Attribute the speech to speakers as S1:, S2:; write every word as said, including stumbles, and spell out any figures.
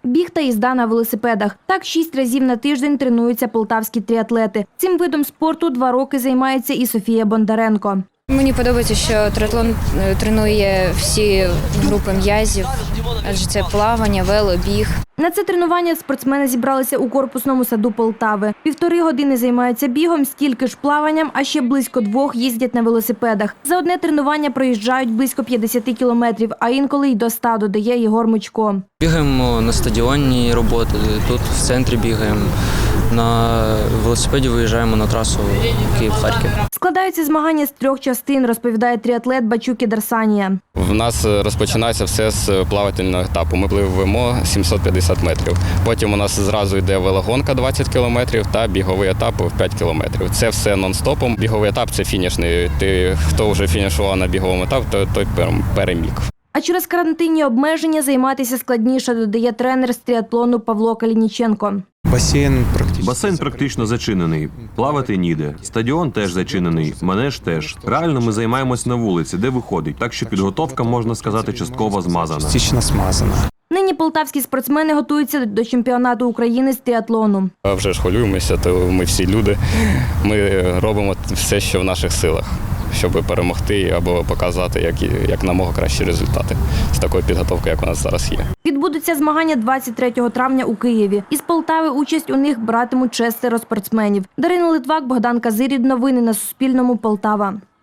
S1: біг та їзда на велосипедах. Так шість разів на тиждень тренуються полтавські тріатлети. Цим видом спорту два роки займається і Софія Бондаренко.
S2: Мені подобається, що триатлон тренує всі групи м'язів, адже це плавання, вело, біг.
S1: На це тренування спортсмени зібралися у корпусному саду Полтави. Півтори години займаються бігом, стільки ж плаванням, а ще близько двох їздять на велосипедах. За одне тренування проїжджають близько п'ятдесят кілометрів, а інколи й до ста, додає Єгор Мучко.
S3: Бігаємо на стадіонній роботи, тут в центрі бігаємо. На велосипеді виїжджаємо на трасу Київ-Харків.
S1: Складаються змагання з трьох частин, розповідає тріатлет Бачуки Дарсанія.
S4: В нас розпочинається все з плавательного етапу. Ми пливемо сімсот п'ятдесят метрів. Потім у нас зразу йде велогонка двадцять кілометрів та біговий етап в п'ять кілометрів. Це все нон-стопом. Біговий етап – це фінішний. Ти, хто вже фінішував на біговому етапі, то той переміг.
S1: А через карантинні обмеження займатися складніше, додає тренер з тріатлону Павло Калініченко.
S5: Басейн практично.
S6: Басейн практично зачинений. Плавати ніде. Стадіон теж зачинений. Манеж теж. Реально ми займаємось на вулиці, де виходить. Так що підготовка, можна сказати, частково змазана.
S5: Частично смазана.
S1: Нині полтавські спортсмени готуються до чемпіонату України з тріатлону.
S4: А вже ж хвилюємося, то ми всі люди. Ми робимо все, що в наших силах, щоб перемогти або показати, як, як намога кращі результати з такою підготовкою, як у нас зараз є.
S1: Відбудуться змагання двадцять третього травня у Києві. Із Полтави участь у них братимуть шестеро спортсменів. Дарина Литвак, Богдан Казирід. Новини на Суспільному. Полтава.